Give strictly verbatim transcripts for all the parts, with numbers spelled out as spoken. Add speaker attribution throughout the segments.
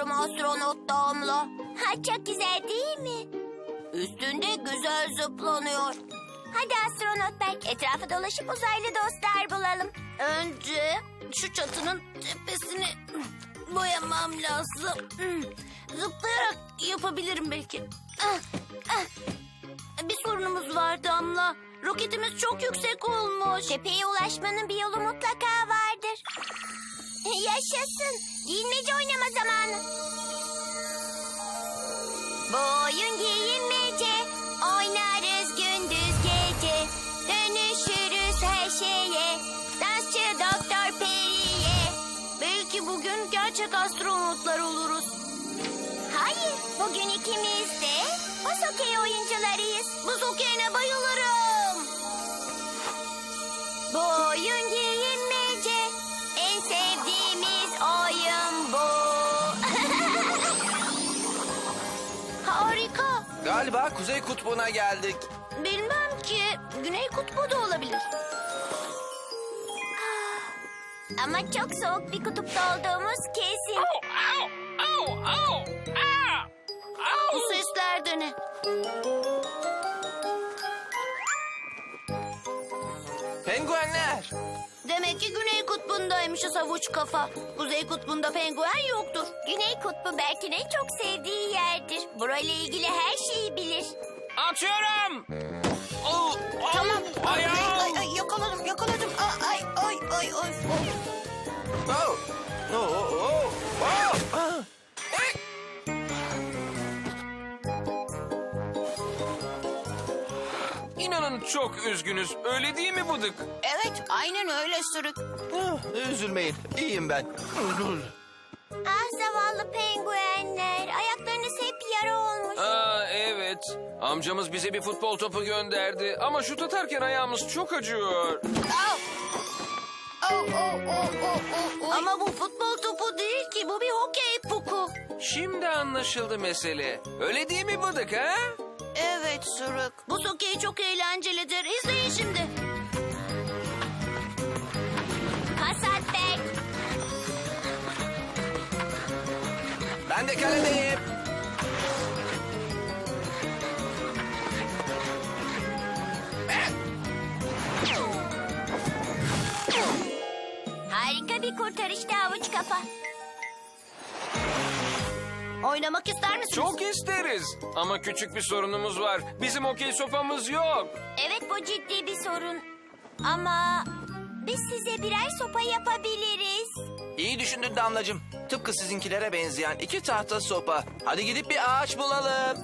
Speaker 1: istiyorum astronot Damla. Ha, çok güzel değil mi? Üstünde güzel zıplanıyor. Hadi astronot Berk, etrafa dolaşıp uzaylı dostlar bulalım.
Speaker 2: Önce şu çatının tepesini boyamam lazım. Zıplayarak yapabilirim belki. Ah, ah. Bir sorunumuz var Damla. Roketimiz çok yüksek olmuş.
Speaker 1: Tepeye ulaşmanın bir yolu mutlaka vardır. Yaşasın. Giyinmece oynama zamanı. Bu oyun giyinmece. Oynarız gündüz gece. Dönüşürüz her şeye. Dansçı Doktor Peri'ye.
Speaker 2: Belki bugün gerçek astronotlar oluruz.
Speaker 1: Hayır, bugün ikimiz de buz hokeyi oyuncularıyız.
Speaker 2: Buz hokeyine bayılırım.
Speaker 1: Bu oyun giyinmece. En sevdiğimiz oyun bu.
Speaker 2: Harika.
Speaker 3: Galiba Kuzey Kutbu'na geldik.
Speaker 2: Bilmem ki Güney Kutbu da olabilir.
Speaker 1: Ama çok soğuk bir kutupta olduğumuz kesin.
Speaker 2: Bu sesler de ne?
Speaker 3: Penguenler.
Speaker 2: Demek ki Güney Kutbu'ndaymışız havuç kafa. Kuzey Kutbu'nda penguen yoktur.
Speaker 1: Güney Kutbu Berk'in en çok sevdiği yerdir. Burayla ilgili her şeyi bilir.
Speaker 4: Atıyorum. Oh, oh,
Speaker 2: Tamam.
Speaker 4: Ayağım.
Speaker 2: Ay, ay, yakaladım, yakaladım. Ay, ay, ay, ay. ay.
Speaker 3: Oh. Oh, oh, oh. Oh. Ah.
Speaker 4: İnanın çok üzgünüz. Öyle değil mi Bıdık?
Speaker 2: Evet, aynen öyle Sürük.
Speaker 3: Ah, üzülmeyin. İyiyim ben.
Speaker 1: Ah zavallı penguenler. Ayaklarınız hep yara olmuş.
Speaker 4: Aa, evet. Amcamız bize bir futbol topu gönderdi. Ama şut atarken ayağımız çok acıyor.
Speaker 2: Oh, oh, oh, oh, oh, oh. Ama bu futbol topu değil ki, bu bir hokey puku.
Speaker 4: Şimdi anlaşıldı mesele. Öyle değil mi Bıdık ha?
Speaker 2: Evet Sürük. Bu hokey çok eğlencelidir. İzleyin şimdi.
Speaker 1: Hasat Berk.
Speaker 3: Ben de kaledeyim.
Speaker 1: Harika bir kurtarıştı havuç kafa.
Speaker 2: Oynamak ister misiniz?
Speaker 4: Çok isteriz. Ama küçük bir sorunumuz var. Bizim okey sopamız yok.
Speaker 1: Evet, bu ciddi bir sorun. Ama biz size birer sopa yapabiliriz.
Speaker 3: İyi düşündün Damlacığım. Tıpkı sizinkilere benzeyen iki tahta sopa. Hadi gidip bir ağaç bulalım.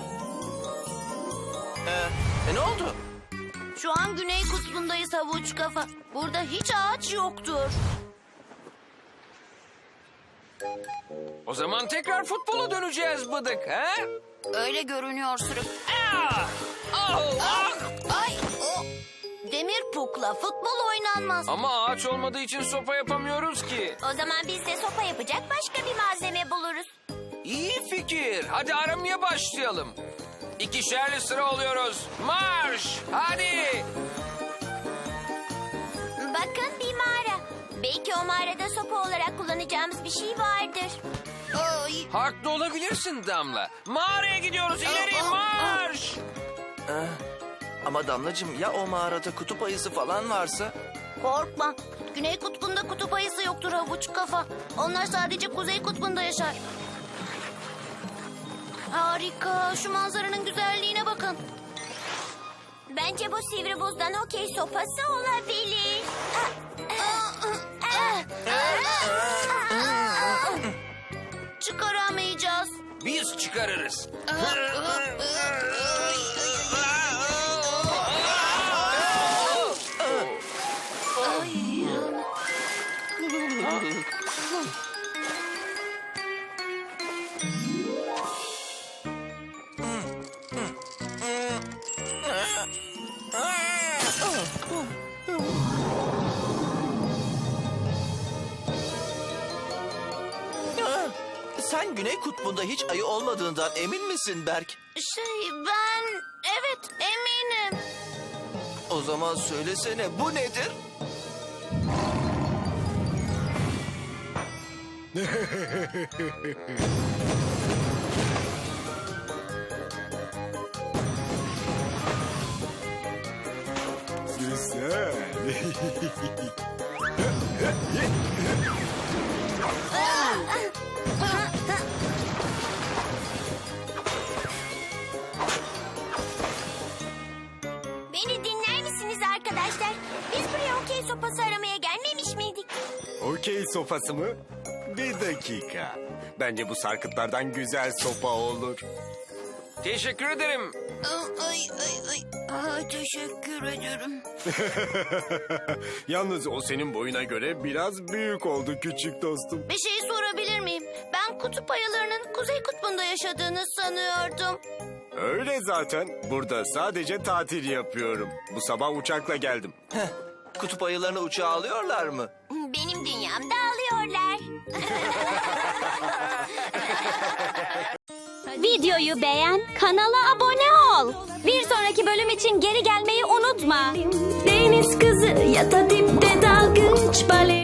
Speaker 3: Ee, e, ne oldu?
Speaker 2: Şu an Güney Kutbu'ndayız havuç kafa. Burada hiç ağaç yoktur.
Speaker 4: O zaman tekrar futbola döneceğiz Bıdık ha?
Speaker 2: Öyle görünüyor Sürük.
Speaker 4: Ah! Oh, ah!
Speaker 2: Ay, o. Demir pukla futbol oynanmaz.
Speaker 4: Ama ağaç olmadığı için sopa yapamıyoruz ki.
Speaker 1: O zaman biz de sopa yapacak başka bir malzeme buluruz.
Speaker 4: İyi fikir. Hadi aramaya başlayalım. İkişerli sıra oluyoruz. Marş! Hadi!
Speaker 1: Bakın, bir mağara. Belki o mağarada sopa olarak kullanacağımız bir şey vardır.
Speaker 2: Ay.
Speaker 4: Haklı olabilirsin Damla. Mağaraya gidiyoruz. İleri
Speaker 2: Aa, aa,
Speaker 4: marş!
Speaker 3: Ee, ama Damlacığım ya o mağarada kutup ayısı falan varsa?
Speaker 2: Korkma. Güney Kutbu'nda kutup ayısı yoktur havuç kafa. Onlar sadece Kuzey Kutbu'nda yaşar. Harika. Şu manzaranın güzelliğine bakın.
Speaker 1: Bence bu sivri buzdan hokey sopası olabilir.
Speaker 2: Çıkaramayacağız.
Speaker 4: Biz çıkarırız.
Speaker 3: Sen Güney Kutbu'nda hiç ayı olmadığından emin misin Berk?
Speaker 2: Şey ben evet eminim.
Speaker 3: O zaman söylesene bu nedir?
Speaker 5: Güzel.
Speaker 1: Beni dinler misiniz arkadaşlar? Biz buraya okey sopası aramaya gelmemiş miydik?
Speaker 5: Okey sopası mı? Bir dakika. Bence bu sarkıtlardan güzel sopa olur.
Speaker 4: Teşekkür ederim.
Speaker 2: Ay ay ay. Aa, teşekkür ederim.
Speaker 5: Yalnız o senin boyuna göre biraz büyük oldu küçük dostum.
Speaker 2: Bir şey sorabilir miyim? Ben kutup ayılarının kuzey kutbunda yaşadığını sanıyordum.
Speaker 5: Öyle zaten. Burada sadece tatil yapıyorum. Bu sabah uçakla geldim.
Speaker 3: Kutup ayılarını uçağa alıyorlar mı?
Speaker 1: Benim dünyamda alıyorlar.
Speaker 6: Videoyu beğen, kanala abone ol. Bir sonraki bölüm için geri gelmeyi unutma.
Speaker 7: Deniz kızı ya da dipte dalgıç, bale